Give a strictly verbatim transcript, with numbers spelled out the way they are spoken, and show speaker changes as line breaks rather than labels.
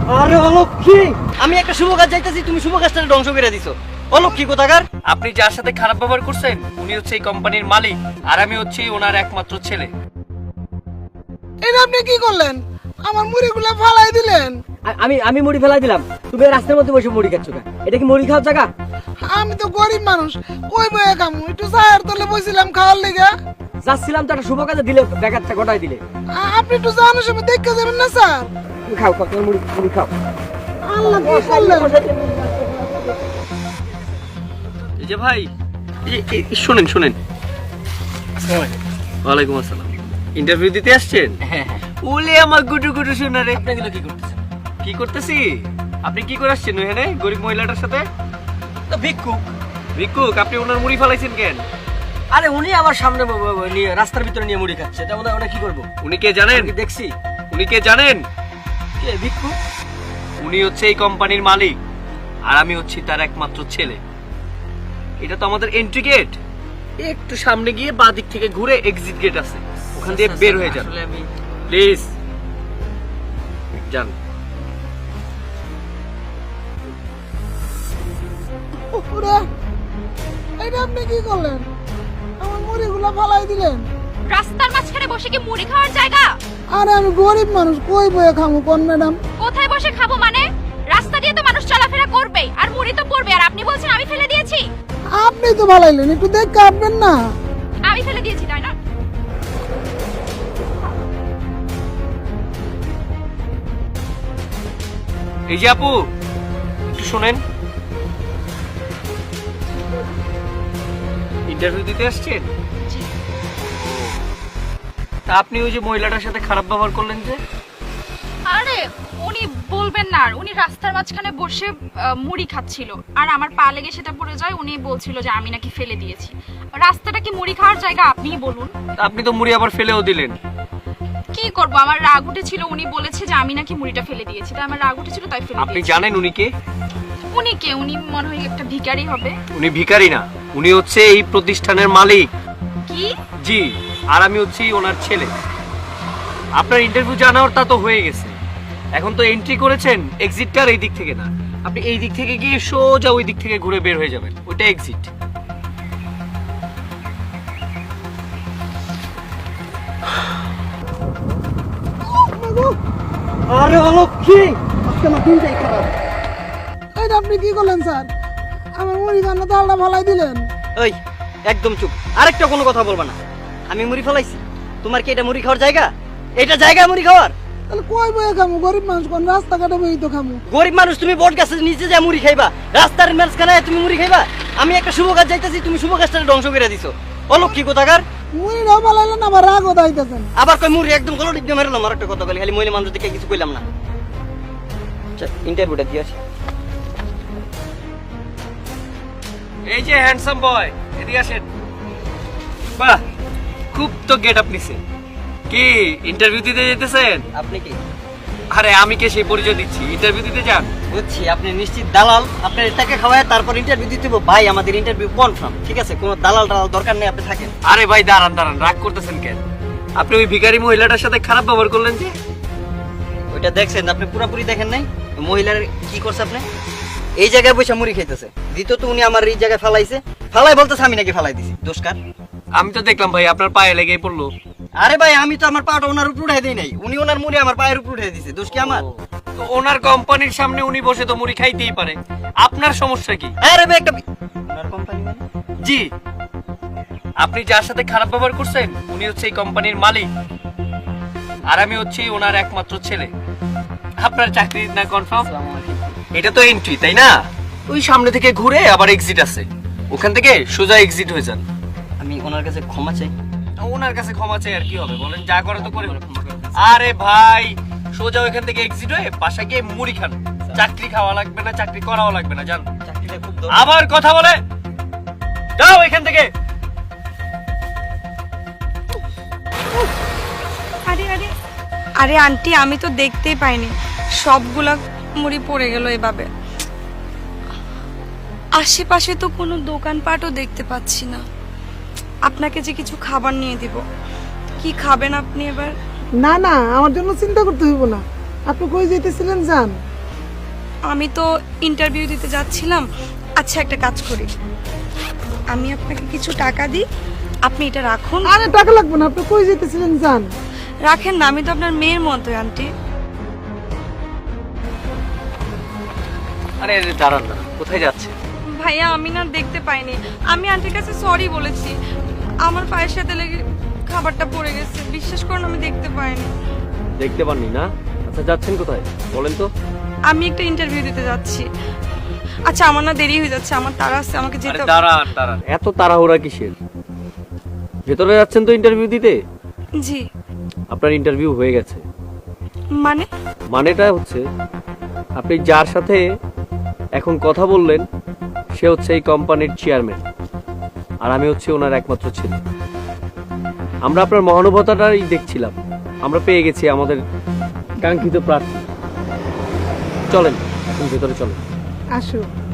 আরে অলক্ষী, আমি একটা শুভ কাজ যাইতেছি, তুমি শুভ কাজটা ধ্বংস করে দিছো। অলক্ষী কোথাকার।
আপনি যার সাথে খারাপ ব্যবহার করছেন উনি হচ্ছে এই কোম্পানির মালিক, আর আমি হচ্ছি ওনার একমাত্র ছেলে।
এটা আপনি কি করলেন? আমার মুড়িগুলো ফালাই দিলেন।
আমি আমি মুড়ি ফেলাই দিলাম, তুমি এই রাস্তার মধ্যে বসে মুড়ি খাচ্ছ কেন? এটা কি মুড়ি খাওয়ার জায়গা?
আমি তো গরিব মানুষ, কই বয়ে খামু? একটু চায়ের তলে বসছিলাম খাওয়ার লেগে।
যাচ্ছিলাম তো একটা শুভ কাজে, দিলে ব্যাঘাতটা ঘটাই দিলে।
আ- আপনি একটু জানার সময় দেখতে যাবেন না স্যার?
তুমি খাও খাও, তোমার মুড়ি মুড়ি খাও।
আল্লাহ, কি করলেন?
এই যে ভাই, এই যে এই- এই শুনেন শুনেন। ওয়ালাইকুম আসসালাম। ইন্টারভিউ দিতে আসছেন?
হ্যাঁ হ্যাঁ।
ওলে আমার গুটু গুটু শোনারে।
আপনি এগুলো কি করতেছেন?
কি করতেছি? আপনি কি করে আসছেন ওখানে গরিব মহিলাটার সাথে?
তো ভিক্ষুক।
ভিক্ষুক, আপনি ওনার মুড়ি ফালাইছেন কেন?
আরে উনি আমার সামনে ব- ব- ব- নিয়ে রাস্তার ভিতরে নিয়ে মুড়ি খাচ্ছে, এটা ওনা ওনা কি করবো?
উনি কে জানেন?
আমি কি দেখছি?
উনি কে জানেন?
কে ভিক্ষুক?
উনি হচ্ছে এই কোম্পানির মালিক, আর আমি হচ্ছি তার একমাত্র ছেলে। এটা তো আমাদের এন্ট্রি গেট। একটু সামনে গিয়ে বাঁ দিক থেকে ঘুরে এক্সিট গেট আছে, ওখান দিয়ে বের হয়ে যান
আসলে আমি
প্লিজ। যান।
ওরে, এটা আপনি কি করলেন? আমার মুড়িগুলো ফালাই দিলেন।
রাস্তার মাঝখানে বসে কি মুড়ি খাওয়ার জায়গা?
আরে আমি গরিব মানুষ, কই বয়ে খামু কোন ম্যাডাম?
কোথায় বসে খাবো মানে? রাস্তা দিয়ে তো মানুষ চলাফেরা করবেই, আর মুড়ি তো পড়বে, আর আপনি বলছেন আমি ফেলে দিয়েছি?
আপনি তো ফালাইলেন, একটু দেখে আপনি না।
আমি ফেলে দিয়েছি তাই না?
এই যে আপু, একটু শোনেন। ইন্টারভিউ দিতে আসছেন? তা আপনি ওই যে মহিলাটার সাথে খারাপ ব্যবহার করলেন যে?
আরে উনি বলবেন না, আর উনি রাস্তার মাঝখানে বসে আহ, মুড়ি খাচ্ছিল, আর আমার পা লেগে সেটা পড়ে যায়। উনি বলছিল যে আমি নাকি ফেলে দিয়েছি। রাস্তাটা কি মুড়ি খাওয়ার জায়গা আপনিই বলুন?
তা আপনি তো মুড়ি আবার ফেলেও দিলেন।
কি করব, আমার রাগ উঠেছিল। উনি বলেছে যে আমি নাকি মুড়িটা ফেলে দিয়েছি, তাই আমার রাগ উঠেছিল, তাই ফেলে
আপনি
দিয়েছি।
জানেন উনি কে?
উনি কে? উনি মনে হয় একটা ভিখারি হবে।
উনি ভিখারি না, উনি হচ্ছে এই প্রতিষ্ঠানের মালিক।
কি?
জি, আর আমি হচ্ছি ওনার ছেলে। আপনার ইন্টারভিউ জানার তা তো হয়ে গেছে, এখন তো এন্ট্রি করেছেন। এক্সিটটা আর এই দিক থেকে না, আপনি এই দিক থেকে গিয়ে সোজা ওই দিক থেকে ঘুরে বের হয়ে যাবেন, ওইটা এক্সিট।
আরে অলক্ষী, আজকে আমার দিনটাই খারাপ।
এটা আপনি কি করলেন স্যার? আমার মুড়ি খানা তালটা ফালাই দিলেন।
ওই একদম চুপ, আরেকটা কোনো কথা বলবা না। আমি মুড়ি ফেলাইছি, তোমার কি এটা মুড়ি খাওয়ার জায়গা? এটা জায়গা মুড়ি খাওয়ার?
তাহলে কই বয়ে খামু? গরিব মানুষ, কোন রাস্তাঘাটে বই তো খামু।
গরিব মানুষ, তুমি বট গাছের নিচে যা মুড়ি খাইবা? রাস্তার মাঝখানে তুমি মুড়ি খাইবা? আমি একটা শুভ কাজ যাইতেছি, তুমি শুভ কাজটা ধ্বংস করে দিছো। অলক্ষী কোথাকার।
মুড়িটাও ফালাইলেন, আবার রাগও দাইতেছেন।
আবার কই মুড়ি একদম গলো ডিপ দিয়ে মেরলাম। আর একটা কথা বলি, খালি মহিলা মানুষ দেখে কিছু কইলাম না। ইন্টারভিউটা দিয়ে আসি।
এই যে হ্যান্ডসাম বয়, এদিকে আসেন। বাহ, খুব তো গেট আপ নিছে। কি ইন্টারভিউ দিতে যেতেছেন?
আপনি কি?
আরে আমি কে সেই পরিচয় দিচ্ছি, ইন্টারভিউ দিতে যান।
বুঝছি, আপনি নিশ্চিত দালাল। আপনার টাকা খাওয়ায় তারপর ইন্টারভিউ দিতে হবে। ভাই আমাদের ইন্টারভিউ কনফার্ম, ঠিক আছে? কোনো দালাল টালাল দরকার নেই, আপনি থাকেন।
আরে ভাই দাঁড়ান দাঁড়ান, রাগ করতেছেন কেন? আপনি ওই ভিখারি মহিলাটার সাথে খারাপ ব্যবহার করলেন যে?
ওইটা দেখছেন আপনি? পুরোপুরি দেখেন নাই? মহিলার কি করছে আপনি? এই জায়গায় বসে মুড়ি খাইতেছে। দ্বিতীয়ত উনি আমার এই জায়গায় ফালাইছে। ফালাই বলতেছে আমি নাকি ফালাই দিছি। দোষকার?
আমি তো দেখলাম ভাই আপনার পায়ে লেগেই পড়লো।
আরে ভাই আমি তো আমার পাটা ওনার উপর উঠাই দেই নাই, উনি ওনার মুড়ি আমার পায়ের উপর উঠাই দিছে। দোষ কি আমার?
তো ওনার কোম্পানির সামনে উনি বসে তো মুড়ি খাইতেই পারে, আপনার সমস্যা কি?
আরে ভাই একটা ওনার কোম্পানি মানে?
জি, আপনি যার সাথে খারাপ ব্যবহার করছেন উনি হচ্ছে এই কোম্পানির মালিক, আর আমি হচ্ছি ওনার একমাত্র ছেলে। আপনার চাকরি না কনফার্ম? এটা তো এন্ট্রি তাই না? ওই সামনে থেকে ঘুরে আবার এক্সিট আছে, ওখান থেকে সোজা এক্সিট হয়ে যান।
আমি ওনার কাছে ক্ষমা চাই।
ওনার কাছে ক্ষমা চাই আর কি হবে বলেন, যা করে তো করে। আরে ভাই সোজা ওইখান থেকে এক্সিট হয়ে বাসায় গিয়ে মুড়ি খান, চাকরি খাওয়া লাগবে না, চাকরি করাও লাগবে না, জান।
চাকরিটা খুব
আবার কথা বলে যাও এখান থেকে।
আরে আরে আরে আন্টি, আমি তো দেখতেই পাইনি, সবগুলা মুড়ি পড়ে গেল এভাবে। আশেপাশে তো কোনো দোকানপাটও দেখতে পাচ্ছি না। আপনাকে যে কিছু খাবার নিয়ে দিব, কি খাবেন আপনি এবার?
না না, আমার জন্য চিন্তা করতে হইব না। আপনি কই যেতেছিলেন যান।
আমি তো ইন্টারভিউ দিতে যাচ্ছিলাম। আচ্ছা একটা কাজ করি, আমি আপনাকে কিছু টাকা দিই, আপনি এটা রাখুন।
আরে টাকা লাগবে না, আপনি কই যেতেছিলেন যান।
রাখেন না, আমি তো আপনার মেয়ের মতোই আন্টি।
আরে আরে, দাঁড়ান না, কোথায় যাচ্ছে?
ভাইয়া আমি না দেখতে পাইনি, আমি আন্টির কাছে সরি বলেছি, আমার পায়ের সাথে লেগে খাবারটা পড়ে গেছে, বিশ্বাস করুন আমি দেখতে পাইনি।
দেখতে পাননি না? আচ্ছা যাচ্ছেন কোথায় বলেন তো?
আমি একটা ইন্টারভিউ দিতে যাচ্ছি। আচ্ছা আমার না দেরি হয়ে যাচ্ছে, আমার তাড়া আছে, আমাকে
আরে
যেতে হবে।
দাঁড়ান দাঁড়ান, এত তাড়াহুড়া কিসের? ভেতরে যাচ্ছেন তো ইন্টারভিউ দিতে?
জি।
আপনার ইন্টারভিউ হয়ে গেছে।
মানে?
মানেটা হচ্ছে আপনি যার সাথে এখন কথা বললেন সে হচ্ছে এই কোম্পানির চেয়ারম্যান, আর আমি হচ্ছে ওনার একমাত্র ছেলে। আমরা আপনার মহানুভবতাটাই দেখছিলাম, আমরা পেয়ে গেছি আমাদের কাঙ্ক্ষিত প্রার্থী। চলেন এখন ভেতরে চলেন।
আসো।